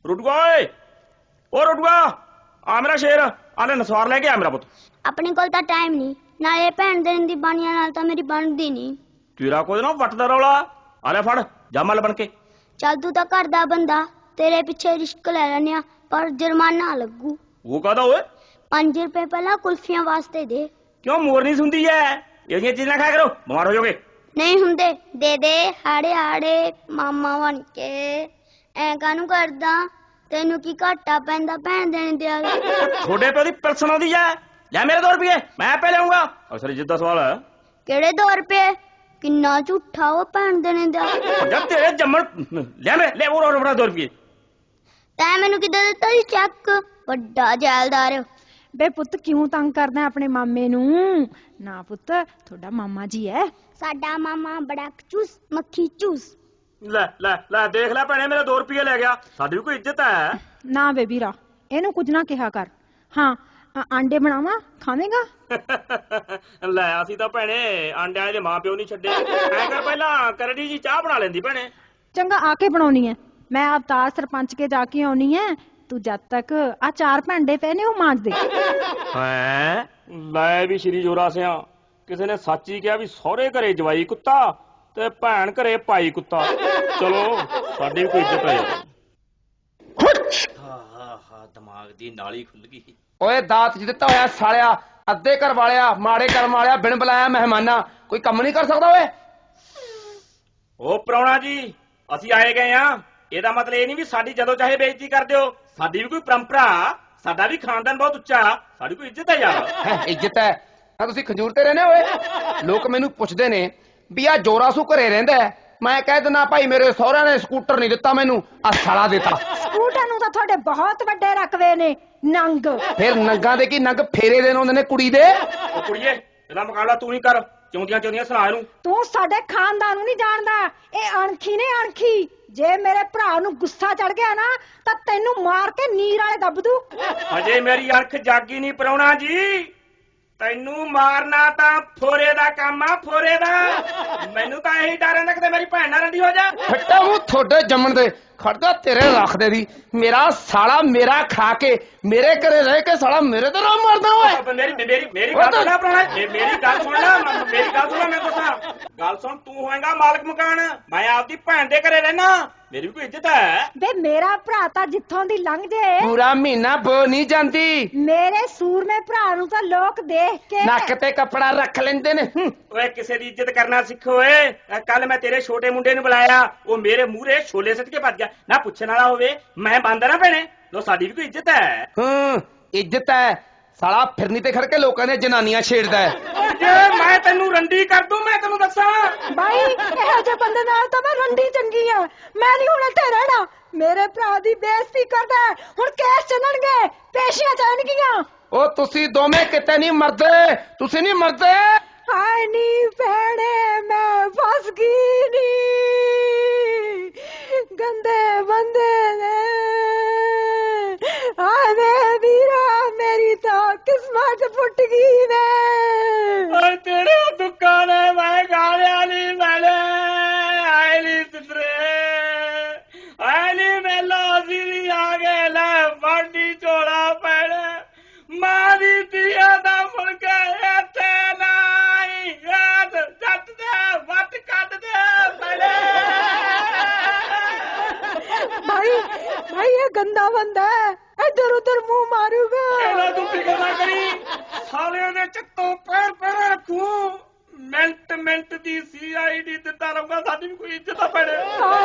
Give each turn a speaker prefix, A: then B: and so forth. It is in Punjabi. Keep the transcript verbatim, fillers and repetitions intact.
A: ਰੁੱਟੂਆ ਓਏ ਓ ਰੁੱਟੂਆ ਆ ਮੇਰਾ ਸ਼ੇਰ ਆ ਲੈ ਨਸਵਾਰ ਲੈ ਕੇ ਆ ਮੇਰਾ ਪੁੱਤ।
B: ਆਪਣੇ ਕੋਲ ਤਾਂ ਟਾਈਮ ਨਹੀਂ, ਨਾਲੇ ਭੈਣ ਦੇਣ ਦੀ ਬਾਣੀਆਂ ਨਾਲ ਤਾਂ ਮੇਰੀ ਬਣਦੀ ਨਹੀਂ।
A: ਤੇਰਾ ਕੋਈ ਨਾ ਵੱਟ ਦਾ ਰੌਲਾ। ਆ ਲੈ ਫੜ ਜਾ ਮੱਲ ਬਣ ਕੇ।
B: ਚੱਲ ਤੂੰ ਤਾਂ ਘਰ ਦਾ ਬੰਦਾ, ਤੇਰੇ ਪਿੱਛੇ ਰਿਸ਼ਕ ਲੈ ਲੈਨੇ ਆ, ਪਰ ਜੁਰਮਾਨਾ ਲੱਗੂ।
A: ਉਹ ਕਾਹਦਾ ਓਏ?
B: ਪੰਜ ਰੁਪਏ ਪਹਿਲਾਂ ਕੁਲਫੀਆਂ ਵਾਸਤੇ ਦੇ।
A: ਕਿਉਂ ਮੋਰਨੀ ਸੁਣਦੀ ਐ? ਇਹ ਜਿਹੀਆਂ ਚੀਜ਼ਾਂ ਖਾਇਆ ਕਰੋ, ਬਿਮਾਰ ਹੋ ਜਾਓਗੇ।
B: ਨਹੀਂ ਹੁੰਦੇ, ਦੇ ਦੇ ਹਾੜੇ ਹਾੜੇ ਮਾਮਾ ਬਣ ਕੇ। ਐ ਕਾਹਨੂੰ ਕਰਦਾ, ਤੈਨੂੰ ਕੀ ਘਾਟਾ ਪੈਂਦਾ ਭੈਣ ਦੇਣ ਦਿਆ?
A: ਤੁਹਾਡੇ ਪਿਓ ਦੀ ਪਰਸਨ ਆਉਂਦੀ ਐ। ਲੈ ਮੇਰੇ ਦੋ ਰੁਪਏ ਮੈਂ ਆਪੇ ਲਿਆਉਂਗਾ। ਅਸਲ ਇੱਜ਼ਤ ਦਾ ਸਵਾਲ ਹੈ।
B: ਕਿਹੜੇ ਦੋ ਰੁਪਏ? ਕਿੰਨਾ ਝੂਠਾ ਉਹ ਭੈਣ ਦੇਣੇ ਦਿਆ।
A: ਜਦ ਤੇਰੇ ਜੰਮਣ ਲੈ ਮੇਰੇ ਲੈ ਉਹ ਰੋੜਾ ਦੋ ਰੁਪਏ।
B: ਤੈਂ ਮੈਨੂੰ ਕਿੱਦਾਂ ਦਿੱਤਾ ਸੀ ਚੈੱਕ? ਵੱਡਾ ਜੈਲਦਾਰ।
C: ਬੇ ਪੁੱਤ ਕਿਉਂ ਤੰਗ ਕਰਦਾ ਆਪਣੇ ਮਾਮੇ ਨੂੰ? ਨਾ ਪੁੱਤ ਤੁਹਾਡਾ ਮਾਮਾ ਜੀ ਹੈ।
B: ਸਾਡਾ ਮਾਮਾ ਬੜਾ ਚੂਸ ਮੱਖੀ ਚੂਸ।
A: ਲੈ ਲੈ ਲੈ ਦੇਖ ਲੈ ਭੈਣੇ ਮੇਰੇ ਦੋ ਰੁਪਏ ਲੈ ਗਿਆ। ਸਾਡੀ ਵੀ ਕੋਈ ਇੱਜ਼ਤ ਹੈ।
C: ਨਾ ਬੇ ਵੀਰਾ ਇਹਨੂੰ ਕੁਝ ਨਾ ਕਿਹਾ ਕਰ। ਹਾਂ ਆਂਡੇ ਬਣਾਵਾ ਖਾਵੇਂਗਾ?
A: ਲੈ ਅਸੀਂ ਤਾਂ ਭੈਣੇ ਆਂਡਿਆਂ ਦੇ ਮਾਂ ਪਿਓ ਨਹੀਂ ਛੱਡੇ। ਐ ਕਰ ਪਹਿਲਾਂ ਕਰੜੀ ਜੀ ਚਾਹ ਬਣਾ ਲੈਂਦੀ ਭੈਣੇ।
C: ਚੰਗਾ ਆ ਕੇ ਬਣਾਉਣੀ ਹੈ। ਮੈਂ ਅਵਤਾਰ ਸਰਪੰਚ ਕੇ ਜਾ ਕੇ ਆਉਣੀ ਹੈ। ਤੂੰ ਜਦ ਤੱਕ ਆ ਚਾਰ ਭਾਂਡੇ ਪਏ ਨੇ ਉਹ ਮਾਂਜ ਦੇ।
A: ਹੈ ਲੈ ਵੀ ਸ਼੍ਰੀ ਜੋਰਾ ਸਿਆ ਕਿਸੇ ਨੇ ਸੱਚ ਹੀ ਕਿਹਾ ਵੀ ਸਹੁਰੇ ਘਰੇ ਜਵਾਈ ਕੁੱਤਾ ਤੇ ਭੈਣ ਘਰੇ ਭਾਈ ਕੁੱਤਾ। ਚਲੋ ਸਾਡੀ ਵੀ ਕੋਈ ਇੱਜ਼ਤ ਹੈ। ਹਾਂ ਹਾਂ ਹਾਂ ਦਿਮਾਗ ਦੀ ਨਾਲੀ ਖੁੱਲ ਗਈ।
D: ਓਏ ਦਾਤ ਚ ਦਿੱਤਾ ਹੋਇਆ ਸਾਲਿਆ, ਅੱਧੇ ਘਰ ਵਾਲਿਆ, ਮਾੜੇ ਕਰਮ ਵਾਲਿਆ, ਬਿਨ ਬੁਲਾਇਆ ਮਹਿਮਾਨਾ, ਕੋਈ ਕੰਮ ਨਹੀਂ ਕਰ ਸਕਦਾ ਓਏ?
A: ਉਹ ਪ੍ਰਾਹੁਣਾ ਜੀ ਅਸੀਂ ਆਏ ਗਏ ਆ। ਇਹਦਾ ਮਤਲਬ ਇਹ ਨਹੀਂ ਵੀ ਸਾਡੀ ਜਦੋਂ ਚਾਹੇ ਬੇਇੱਜ਼ਤੀ ਕਰ ਦਿਓ। ਸਾਡੀ ਵੀ ਕੋਈ ਪਰੰਪਰਾ, ਸਾਡਾ ਵੀ ਖਾਨਦਾਨ ਬਹੁਤ ਉੱਚਾ, ਸਾਡੀ ਕੋਈ ਇੱਜ਼ਤ ਹੈ ਯਾਰ।
D: ਹੈਂ, ਇੱਜ਼ਤ ਹੈ ਤਾਂ ਤੁਸੀਂ ਖੰਜੂਰ ਤੇ ਰਹਿੰਦੇ ਓਏ? ਲੋਕ ਮੈਨੂੰ ਪੁੱਛਦੇ ਨੇ ਵੀ ਆ ਜੋਰਾਸੂ ਘਰੇ ਰਹਿੰਦਾ, ਮੈਂ ਕਹਿ ਦਿੰਦਾ ਭਾਈ ਮੇਰੇ ਸਹੁਰਿਆਂ ਨੇ ਸਕੂਟਰ ਨਹੀਂ ਦਿੱਤਾ ਮੈਨੂੰ, ਆ ਸਾਲਾ ਦਿੱਤਾ।
C: ਸਕੂਟਰ ਨੂੰ ਤਾਂ ਤੁਹਾਡੇ ਬਹੁਤ ਵੱਡੇ ਰਕਵੇ ਨੇ ਨੰਗ।
D: ਫਿਰ ਨੰਗਾਂ ਦੇ ਕੀ ਨੰਗ ਫੇਰੇ ਦੇਣ ਹੁੰਦੇ ਨੇ ਕੁੜੀ ਦੇ।
A: ਉਹ ਕੁੜੀਏ ਇਹਦਾ ਮੁਕਾਬਲਾ ਤੂੰ ਹੀ ਕਰ। ਚੌਂਦੀਆਂ ਚੌਂਦੀਆਂ ਸੁਣਾ ਇਹਨੂੰ।
C: ਤੂੰ ਸਾਡੇ ਖਾਨਦਾਨ ਨੂੰ ਨਹੀਂ ਜਾਣਦਾ। ਇਹ ਅਣਖੀ ਨੇ ਅਣਖੀ। ਜੇ ਮੇਰੇ ਭਰਾ ਨੂੰ ਗੁੱਸਾ ਚੜ ਗਿਆ ਨਾ ਤਾਂ ਤੈਨੂੰ ਮਾਰ ਕੇ ਨੀਰ ਵਾਲੇ ਦੱਬ ਦੂ।
A: ਹਜੇ ਮੇਰੀ ਅੱਖ ਜਾਗੀ ਨਹੀਂ ਪ੍ਰਾਹੁਣਾ ਜੀ। ਤੈਨੂੰ ਮਾਰਨਾ ਤਾਂ ਫੋਰੇ ਦਾ ਕੰਮ ਆ, ਫੋਰੇ ਦਾ। ਮੈਨੂੰ ਤਾਂ ਇਹੀ ਡਰ ਰਹਿੰਦਾ ਕਿਤੇ ਮੇਰੀ ਭੈਣ ਨਾਲ ਰੰਡੀ ਹੋ ਜਾ।
D: ਫੱਟਾ ਮੂੰਹ ਤੁਹਾਡੇ ਜੰਮਣ ਦੇ ਖੜਦਾ ਤੇਰੇ ਰੱਖਦੇ ਦੀ। ਮੇਰਾ ਸਾਲਾ ਮੇਰਾ ਖਾ ਕੇ ਮੇਰੇ ਘਰੇ ਰਹਿ ਕੇ ਸਾਲਾ ਮੇਰੇ ਤੇ ਰਾਮ ਮਾਰਦਾ ਓਏ।
A: ਮੇਰੀ ਮੇਰੀ ਮੇਰੀ ਗੱਲ ਸੁਣ ਲੈ ਪ੍ਰਾਹੁਣਾ, ਮੇਰੀ ਗੱਲ ਸੁਣ ਲੈ, ਮੇਰੀ ਗੱਲ ਸੁਣ ਲੈ। ਮੈਂ ਦੱਸਾਂ ਗੱਲ ਸੁਣ, ਤੂੰ ਹੋਏਗਾ ਮਾਲਕ ਮਕਾਨ, ਮੈਂ ਆਪਦੀ ਭੈਣ ਦੇ ਘਰੇ ਰਹਿਣਾ। ਮੇਰੀ ਵੀ ਕੋਈ ਇੱਜ਼ਤ ਹੈ।
C: ਵੇ ਮੇਰਾ ਭਰਾ ਤਾਂ ਜਿੱਥੋਂ ਦੀ ਲੰਘ ਜੇ
D: ਪੂਰਾ ਮਹੀਨਾ ਬੋ ਨਹੀਂ ਜਾਂਦੀ।
C: ਮੇਰੇ ਸੂਰਮੇ ਭਰਾ ਨੂੰ ਤਾਂ ਲੋਕ ਦੇਖ ਕੇ
D: ਨੱਕ ਤੇ ਕੱਪੜਾ ਰੱਖ ਲੈਂਦੇ ਨੇ।
A: ਓਏ ਕਿਸੇ ਦੀ ਇੱਜ਼ਤ ਕਰਨਾ ਸਿੱਖੋ ਓਏ। ਕੱਲ ਮੈਂ ਤੇਰੇ ਛੋਟੇ ਮੁੰਡੇ ਨੂੰ ਬੁਲਾਇਆ, ਉਹ ਮੇਰੇ ਮੂਹਰੇ ਛੋਲੇ ਸਿੱਟ ਕੇ ਭੱਜ ਗਿਆ। ਨਾ ਪੁੱਛਣ ਵਾਲਾ ਹੋਵੇ, ਮੈਂ ਬੰਦ ਨਾ ਭੈਣੇ। ਲੋ ਸਾਡੀ ਵੀ ਕੋਈ ਇੱਜ਼ਤ ਹੈ।
D: ਹੂੰ ਇੱਜ਼ਤ ਹੈ। ਸਾਲਾ ਫਿਰਨੀ ਤੇ ਖੜ ਕੇ ਲੋਕਾਂ ਦੀਆਂ ਜਨਾਨੀਆਂ ਛੇੜਦਾ ਹੈ।
A: ਜੇ ਮੈਂ ਤੈਨੂੰ ਰੰਡੀ ਕਰ ਦੂੰ, ਮੈਂ ਤੈਨੂੰ ਦੱਸਾਂ
C: ਬਾਈ ਇਹੋ ਜਿਹੇ ਬੰਦੇ ਨਾਲ ਤਾਂ ਮੈਂ ਰੰਡੀ ਚੰਗੀ ਆ। ਮੈਂ ਨਹੀਂ ਹੁਣ ਇੱਥੇ ਰਹਿਣਾ। ਮੇਰੇ ਭਰਾ ਦੀ ਬੇਇੱਜ਼ਤੀ ਕਰਦਾ। ਹੁਣ ਕੇਸ ਚੱਲਣਗੇ, ਪੇਸ਼ੀਆਂ ਚੱਲਣਗੀਆਂ।
D: ਉਹ ਤੁਸੀਂ ਦੋਵੇਂ ਕਿਤੇ ਨਹੀਂ ਮਰਦੇ, ਤੁਸੀਂ ਨਹੀਂ ਮਰਦੇ।
C: ਹਾਏ ਨੀ ਭੈਣੇ ਮੈਂ ਫਸ ਗਈ ਨੀ, ਗੰਦੇ ਬੰਦੇ ਨੇ। ਹਾਏ ਵੇ ਵੀਰਾ ਮੇਰੀ ਤਾਂ ਕਿਸਮਤ ਫੁੱਟ ਗਈ ਵੇ।
A: ਓਏ ਤੇਰੇ ਦੁੱਖਾਂ ਨੇ ਮੈਂ ਗਾਲਿਆ ਨਹੀਂ ਮੈਨੇ। ਆਏ ਨੀ ਸਿੱਧਰੇ ਆਏ ਨੀ ਮੇਲਾ ਅਸੀਂ ਵੀ ਆ ਗਏ। ਲੈ ਵਾਢੀ ਝੋਲਾ ਪੈਣੇ ਮਾਂ ਦੀ ਧੀਆ ਦਾ ਮੁਰਗਾ ਇੱਥੇ ਨਾਈ। ਜੱਟ ਦੇ ਵੱਟ ਕੱਢ ਦੇ ਪੈਣੇ।
C: ਭਾਈ ਭਾਈ ਇਹ ਗੰਦਾ ਬੰਦਾ ਹੈ, ਇੱਧਰ ਉੱਧਰ ਮੂੰਹ ਮਾਰੂਗਾ।
A: ਇਹਨਾਂ ਤੂੰ ਫਿਕਰ ਨਾ ਕਰੀ, ਸਾਲਿਆਂ ਦੇ ਚੱਤੋਂ ਪੈਰ ਪੈਰ ਰੱਖੂ। ਮਿੰਟ ਮਿੰਟ ਦੀ ਸੀ ਆਈ ਡੀ ਦਿੱਤਾ ਰਹੂਗਾ। ਸਾਡੀ ਵੀ ਕੋਈ ਇੱਜ਼ਤ ਆ ਪੈਣੇ।